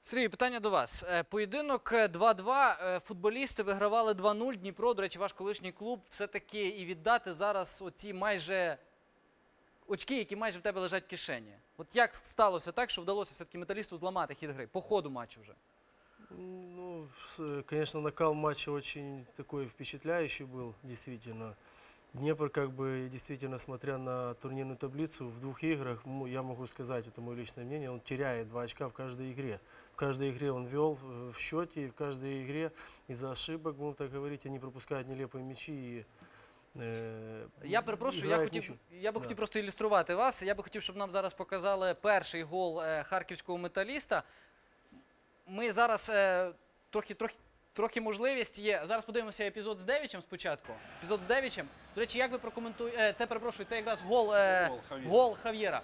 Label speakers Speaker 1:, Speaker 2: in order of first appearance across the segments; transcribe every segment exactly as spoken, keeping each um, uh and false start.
Speaker 1: Сергій, питання до вас. Поєдинок два-два, футболісти вигравали два нуль, Дніпро, до речі, ваш колишній клуб, все-таки і віддати зараз оці майже очки, які майже в тебе лежать в кишені. От як сталося так, що вдалося все-таки Металісту зламати хід гри, по ходу матчу вже?
Speaker 2: Ну, конечно, накал матча очень такой впечатляющий был, действительно. Днепр, как бы, действительно, смотря на турнирную таблицу, в двух играх, я могу сказать, это мое личное мнение, он теряет два очка в каждой игре. В каждой игре он вел в счете, и в каждой игре из-за ошибок, будем так говорить, они пропускают нелепые мячи и э,
Speaker 1: Я перепрошую, я хотів, я би
Speaker 2: Да.
Speaker 1: хотів просто ілюструвати вас. Я би хотів, щоб нам зараз показали перший гол е, харківського Металіста. Ми зараз е, трохи, трохи, трохи можливість є. Зараз подивимося епізод з Девічем спочатку. Епізод з Девічем. До речі, як ви прокоментуєте? Е, це, перепрошую, це якраз гол, е,
Speaker 3: Гол Хав'єра.
Speaker 1: гол Хав'єра.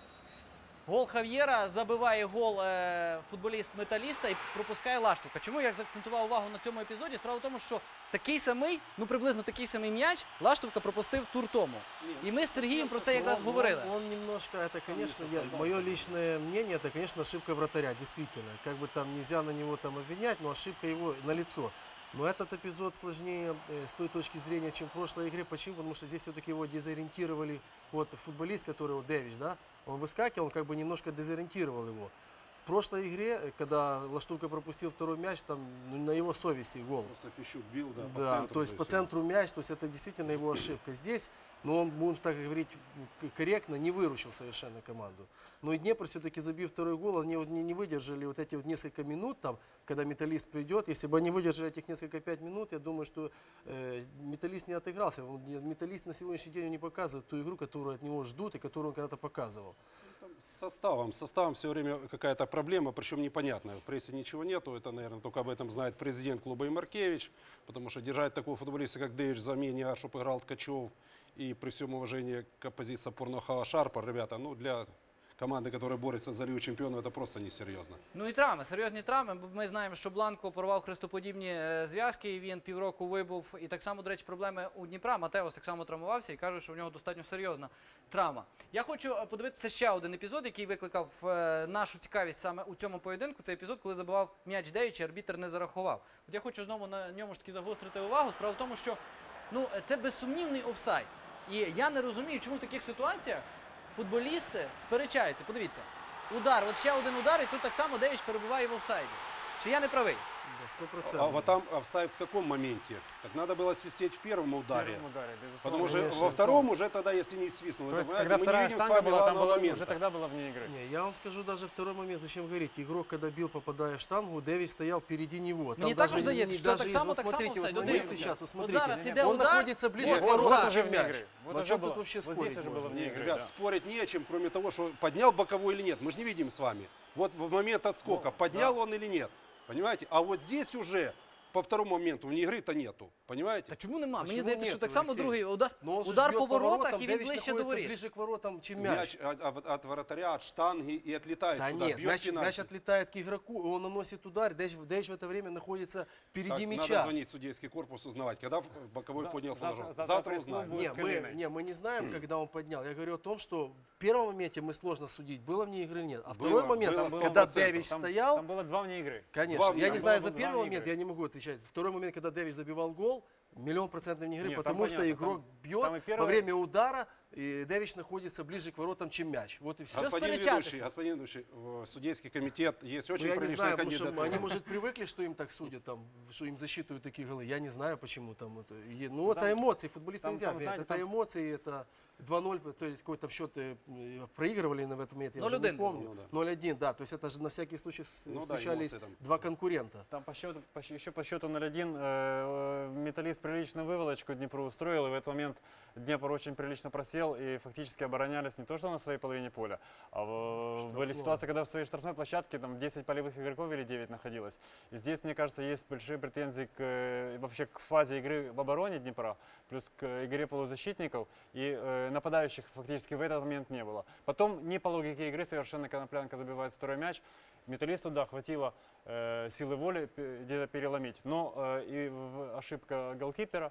Speaker 1: Гол Хав'єра, забиває гол е, футболіст Металіста і пропускає Лаштовка. Чому я заакцентував увагу на цьому епізоді? Справа в тому, що такий самий, ну приблизно такий самий м'яч Лаштовка пропустив тур тому. І ми з Сергієм про це якраз
Speaker 2: он,
Speaker 1: говорили.
Speaker 2: Он, он немножко, это, конечно, я, мое личное мнение, это, конечно, ошибка вратаря, действительно. Как бы там нельзя на него там обвинять, но ошибка его налицо. Но этот эпизод сложнее э, с той точки зрения, чем в прошлой игре. Почему? Потому что здесь все-таки его дезориентировали. Вот футболист, который, вот Девич, да, он выскакивал, он как бы немножко дезориентировал его. В прошлой игре, когда Лаштовка пропустил второй мяч, там ну, на его совести гол.
Speaker 3: Просто Фищук бил, да, по
Speaker 2: Да,
Speaker 3: центру.
Speaker 2: то есть по центру мяч, то есть это действительно его ошибка. Здесь, ну он, будем так говорить, к- корректно не выручил совершенно команду. Но и Днепр все-таки забив второй гол, они вот не, не выдержали вот эти вот несколько минут, там, когда Металлист придет. Если бы они выдержали этих несколько пять минут, я думаю, что э, Металлист не отыгрался. Он не- Металлист на сегодняшний день не показывает ту игру, которую от него ждут и которую он когда-то показывал.
Speaker 3: Там с составом, с составом все время какая-то проблема, причем непонятная. В прессе ничего нету, это, наверное, только об этом знает президент клуба Имаркевич, потому что держать такого футболиста, как Дэвич, в замене, а чтобы играл Ткачев, и при всем уважении к оппозиции Порнохава Шарпа, ребята, ну для команды, которая борется за Лигу чемпионов, это просто несерьезно.
Speaker 1: Ну і травми, серйозні травми, бо ми знаємо, що Бланко порвав хрестоподібні е, зв'язки, і він півроку вибув. І так само, до речі, проблеми у Дніпра. Матеос так само травмувався і каже, що в нього достатньо серйозна травма. Я хочу е, подивитися ще один епізод, який викликав е, нашу цікавість саме у цьому поєдинку. Це епізод, коли забивав м'яч Девіч, і арбітр не зарахував. От я хочу знову на ньому ж таки загострити увагу. Справа в тому, що ну, це безсумнівний офсайд. І я не розумію, чому в таких ситуаціях футболісти сперечаються. Подивіться. Удар, от ще один удар, і тут так само Девіч перебуває в офсайді. Чи я не правий?
Speaker 2: Да, сто
Speaker 3: А
Speaker 2: процентов.
Speaker 3: вот там офсайд в каком моменте? Так надо было свистеть в первом ударе.
Speaker 4: первом ударе, безусловно.
Speaker 3: Потому что
Speaker 2: Конечно,
Speaker 3: во втором уже тогда, если не свистнул,
Speaker 4: То
Speaker 3: это,
Speaker 4: есть,
Speaker 3: понимаете,
Speaker 4: когда
Speaker 3: мы не
Speaker 4: вторая
Speaker 3: видим с
Speaker 4: штанга
Speaker 3: вами
Speaker 4: была, там
Speaker 3: главного
Speaker 4: было,
Speaker 3: момента.
Speaker 4: уже тогда было вне игры.
Speaker 2: Не, я вам скажу даже второй момент, зачем говорить. Игрок, когда бил, попадая в штангу, Дэвид стоял впереди него. Там
Speaker 1: Мені
Speaker 2: даже
Speaker 1: також
Speaker 2: не-
Speaker 1: здається,
Speaker 2: не-
Speaker 1: що
Speaker 2: даже
Speaker 1: так
Speaker 2: и-
Speaker 1: само,
Speaker 2: вот
Speaker 1: так само
Speaker 2: смотрите,
Speaker 1: офсайд.
Speaker 2: вот
Speaker 1: От
Speaker 2: мы
Speaker 1: дивіться.
Speaker 2: сейчас, вот
Speaker 1: От
Speaker 2: смотрите,
Speaker 1: зараз іде
Speaker 2: он
Speaker 1: удар.
Speaker 2: находится ближе
Speaker 4: Вот,
Speaker 2: к
Speaker 4: вот, вот
Speaker 2: воротам,
Speaker 4: уже
Speaker 2: чем
Speaker 4: вне
Speaker 2: мяч.
Speaker 4: игры. Вот
Speaker 2: Ну, о
Speaker 4: уже
Speaker 2: чем
Speaker 4: было-
Speaker 2: тут вообще
Speaker 4: вот
Speaker 2: спорить
Speaker 4: здесь уже
Speaker 2: можно?
Speaker 4: было вне
Speaker 3: Не,
Speaker 4: игры,
Speaker 3: ребят,
Speaker 4: да.
Speaker 3: спорить не о чем, кроме того, что поднял боковой или нет. Мы же не видим с вами. Вот в момент отскока,
Speaker 4: Ну,
Speaker 3: поднял он или нет. Понимаете? А вот здесь уже по второму моменту вне игры-то нету. Понимаете?
Speaker 1: Та чому нема? Мені
Speaker 2: Чому
Speaker 1: здається, що
Speaker 2: ні,
Speaker 1: так само
Speaker 2: Олексій?
Speaker 1: другий удар,
Speaker 2: Но он же
Speaker 1: удар
Speaker 2: бьет
Speaker 1: по воротах, і він
Speaker 2: Дэвид
Speaker 1: ближче до
Speaker 2: находится
Speaker 1: воріт.
Speaker 2: ближе к воротам, чем мяч.
Speaker 3: Мяч от, от- от вратаря, от штанги и отлетает
Speaker 2: Да
Speaker 3: сюда.
Speaker 2: нет,
Speaker 3: бьет
Speaker 2: мяч,
Speaker 3: пенальти.
Speaker 2: мяч отлетает к игроку, он наносит удар, Дэвич, Дэвич в это время находится впереди
Speaker 3: Так,
Speaker 2: мяча.
Speaker 3: надо звонить в судейский корпус, узнавать, когда в- боковой
Speaker 4: За-
Speaker 3: поднял
Speaker 4: завтра-
Speaker 3: флажок.
Speaker 4: завтра
Speaker 3: Завтра
Speaker 4: пресс-клуб
Speaker 3: узнаем.
Speaker 4: будет.
Speaker 2: Не,
Speaker 4: с
Speaker 2: мы,
Speaker 4: Калиной.
Speaker 2: не, мы не знаем, когда он поднял. Я говорю о том, что в первом моменте мы сложно судить, было вне игры или нет. А
Speaker 3: Было,
Speaker 2: второй момент,
Speaker 3: было
Speaker 2: там,
Speaker 3: сто
Speaker 2: когда
Speaker 3: процентов.
Speaker 2: Дэвич
Speaker 4: Там,
Speaker 2: стоял,
Speaker 4: там было два вне игры.
Speaker 2: конечно,
Speaker 3: Два
Speaker 2: я
Speaker 3: вне
Speaker 2: не
Speaker 3: игры.
Speaker 2: знаю
Speaker 4: Было
Speaker 2: за
Speaker 4: бы
Speaker 2: первый
Speaker 4: два вне
Speaker 2: момент,
Speaker 4: игры.
Speaker 2: я не могу отвечать. Второй момент, когда Дэвич забивал гол, миллион процентов вне игры,
Speaker 4: Нет, там
Speaker 2: потому что
Speaker 4: понятно,
Speaker 2: игрок
Speaker 4: там-
Speaker 2: бьет
Speaker 4: там и первый-
Speaker 2: во время удара, и Дэвич находится ближе к воротам, чем мяч. Вот и все.
Speaker 3: Господин
Speaker 1: сперечатися?
Speaker 3: ведущий, господин ведущий, в судейский комитет есть
Speaker 2: Ну,
Speaker 3: очень
Speaker 2: я не
Speaker 3: приличная
Speaker 2: знаю, потому что
Speaker 3: кандидатура.
Speaker 2: они, может, привыкли, что им так судят, там, что им засчитывают такие голы. Я не знаю, почему там это. Е- Ну, это
Speaker 4: Там-
Speaker 2: эмоции, футболиста
Speaker 4: там-
Speaker 2: нельзя
Speaker 4: там,
Speaker 2: обвинять.
Speaker 4: знаете,
Speaker 2: Это
Speaker 4: там-
Speaker 2: эмоции, это два ноль, то есть какой-то счет э, проигрывали на в этот момент, я уже
Speaker 1: ноль один
Speaker 2: не помню.
Speaker 3: был, да.
Speaker 2: ноль один, да, то есть это же на всякий случай с-
Speaker 3: Ну да,
Speaker 2: встречались
Speaker 3: эмоции там.
Speaker 2: два конкурента.
Speaker 4: Там по счету, по щ- еще по счету ноль один э, Металлист приличную выволочку Днепру устроил, и в этот момент Днепр очень прилично просел, и фактически оборонялись не то что на своей половине поля, а в-
Speaker 2: Штрафной.
Speaker 4: были ситуации, когда в своей штрафной площадке там десять полевых игроков или девять находилось. И здесь, мне кажется, есть большие претензии к, э, вообще к фазе игры в обороне Днепра, плюс к игре полузащитников, и э, нападающих фактически в этот момент не было. Потом, не по логике игры, совершенно Коноплянка забивает второй мяч. Металлисту, да, хватило э, силы воли пе- где-то переломить, но э, и в- ошибка голкипера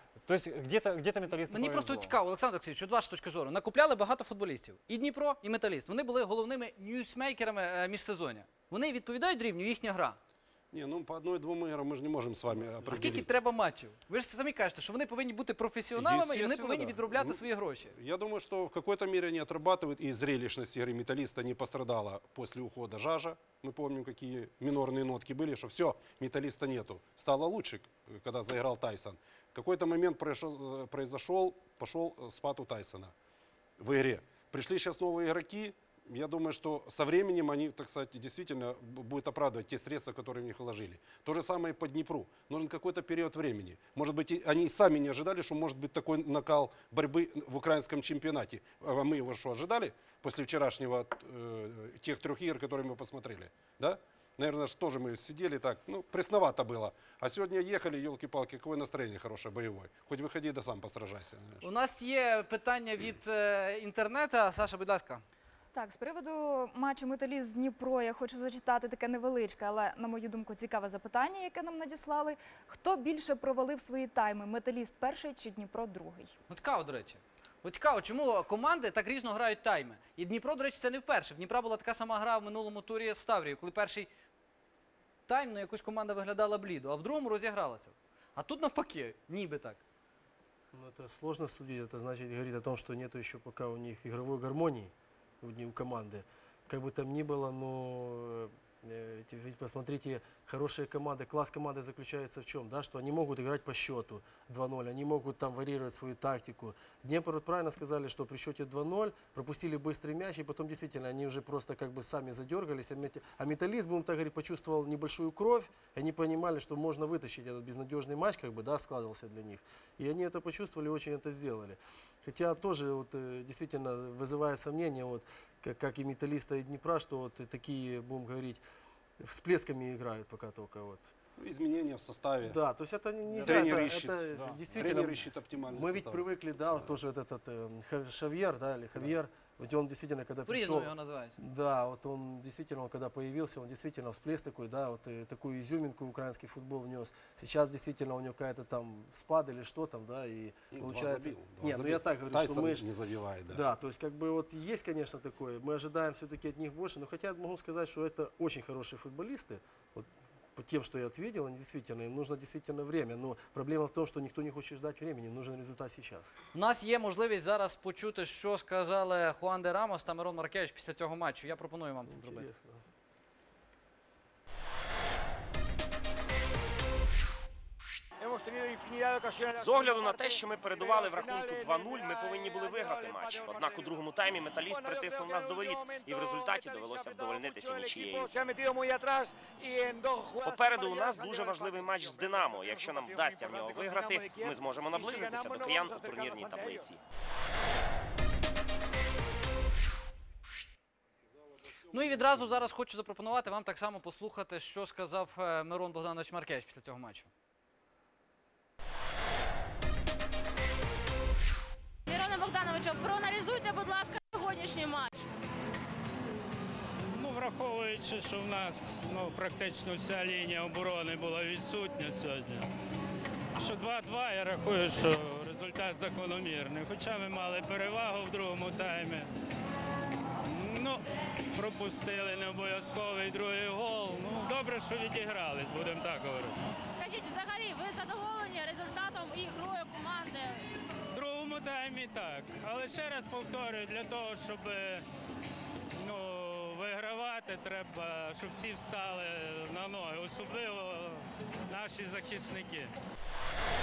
Speaker 4: То есть где-то где металлисту
Speaker 1: Мені
Speaker 4: повезло.
Speaker 1: просто цікаво, Олександр Олексійович, от ваша точка зору. Накупляли багато футболістів. І Дніпро, і Металіст. Вони були головними ньюсмейкерами е, міжсезоння. Вони відповідають рівню, їхня гра.
Speaker 3: Не, ну по одной-двум играм мы же не можем с вами
Speaker 1: А скільки
Speaker 3: определить.
Speaker 1: треба матчів? Ви ж самі кажете, що вони повинні бути професіоналами і вони
Speaker 3: Естественно,
Speaker 1: повинні
Speaker 3: да.
Speaker 1: відробляти
Speaker 3: Ну,
Speaker 1: свої гроші.
Speaker 3: Я думаю, что в какой-то мере они отрабатывают, и зрелищность игры металлиста не пострадала после ухода Жажа. Мы помним, какие минорные нотки были, что все, металлиста нету. Стало лучше, когда заиграл Тайсон. В какой-то момент произошел, произошел пошел спад у Тайсона в игре. Пришли сейчас новые игроки. Я думаю, что со временем они, так сказать, действительно б- будут оправдывать те средства, которые в них вложили. То же самое и по Днепру. Нужен какой-то период времени. Может быть, и они и сами не ожидали, что может быть такой накал борьбы в украинском чемпионате. А мы его что, ожидали после вчерашнего, э, тех трех игр, которые мы посмотрели? Да? Наверное, что тоже мы сидели так, ну, пресновато было. А сегодня ехали, елки-палки, какое настроение хорошее, боевое. Хоть выходи, да сам постражайся. знаешь.
Speaker 1: У нас є питання від е, інтернету. Саша, будь ласка.
Speaker 5: Так, з приводу матчу «Металіст» з Дніпро я хочу зачитати таке невеличке, але, на мою думку, цікаве запитання, яке нам надіслали. Хто більше провалив свої тайми? «Металіст» перший чи Дніпро другий?
Speaker 1: Ну, цікаво, до речі. От цікаво, чому команди так різно грають тайми. І Дніпро, до речі, це не вперше. В Дніпра була така сама гра в минулому турі з Ставрією, коли перший тайм, ну, якось команда виглядала блідо, а в другому розігралася. А тут навпаки, ніби так.
Speaker 2: Ну, это сложно судить. Это значит говорит о том, что нету еще пока у них игровой гармонии у, не- у команды. Как бы там ни было, но э, эти- ведь посмотрите, хорошие команды, класс команды заключается в чем, да, что они могут играть по счету два ноль, они могут там варьировать свою тактику. Днепр вот правильно сказали, что при счете два ноль пропустили быстрый мяч, и потом действительно они уже просто как бы сами задергались. А мет- А металлист, будем так говорить, почувствовал небольшую кровь, и они понимали, что можно вытащить этот безнадежный матч, как бы, да, складывался для них. И они это почувствовали, очень это сделали. Хотя тоже вот, э, действительно вызывает сомнение, вот, как, как и металлиста, и Днепра, что вот такие, будем говорить, всплесками играют пока только. Вот.
Speaker 3: Ну, изменения в составе.
Speaker 2: Да, то есть это не- нельзя,
Speaker 3: Тренер
Speaker 2: это,
Speaker 3: ищет,
Speaker 2: это
Speaker 4: да.
Speaker 2: действительно.
Speaker 3: Тренер ищет оптимальный
Speaker 2: Мы ведь
Speaker 3: состав.
Speaker 2: привыкли, да, вот тоже вот этот э, Ха- Шавьер, да, или Хавьер, вот он действительно, когда пришел,
Speaker 1: По-різному його називають.
Speaker 2: да, вот он действительно, он когда появился, он действительно всплеск такой, да, вот э, такую изюминку украинский футбол внес. Сейчас действительно у него какая-то там спад или что там, да, и
Speaker 3: Ну, два
Speaker 2: получается.
Speaker 3: забил, два
Speaker 2: Не, ну
Speaker 3: забил.
Speaker 2: я так говорю,
Speaker 3: Тайсон
Speaker 2: что мы ж-
Speaker 3: не забивает, да.
Speaker 2: да, то есть как бы вот есть, конечно, такое. Мы ожидаем все-таки от них больше, но хотя я могу сказать, что это очень хорошие футболисты. Вот по тем, что я ответил, они действительно, им нужно действительно время. Но проблема в том, что никто не хочет ждать времени, им нужен результат сейчас.
Speaker 1: У нас є можливість зараз почути, що сказали Хуан де Рамос та Мирон Маркевич після цього матчу. Я пропоную вам це зробити.
Speaker 2: Интересно.
Speaker 6: З огляду на те, що ми передували в рахунку два нуль, ми повинні були виграти матч. Однак у другому таймі металіст притиснув нас до воріт, і в результаті довелося вдовольнитися нічією. Попереду у нас дуже важливий матч з Динамо. Якщо нам вдасться в нього виграти, ми зможемо наблизитися до киян у турнірній таблиці.
Speaker 1: Ну і відразу зараз хочу запропонувати вам так само послухати, що сказав е, Мирон Богданович Маркевич після цього матчу.
Speaker 7: Мироне Богдановичу, проаналізуйте, будь ласка, сьогоднішній матч.
Speaker 8: Ну, враховуючи, що в нас ну, практично вся лінія оборони була відсутня сьогодні. Що два-два, я рахую, що результат закономірний. Хоча ми мали перевагу в другому таймі. Ну, пропустили необов'язковий другий гол. Ну, добре, що відігрались, будемо так говорити.
Speaker 7: Скажіть, взагалі, ви задоволені результатом і грою команди?
Speaker 8: В другому таймі так. Але ще раз повторюю, для того, щоб ну, вигравати, треба, щоб всі встали на ноги, особливо наші захисники.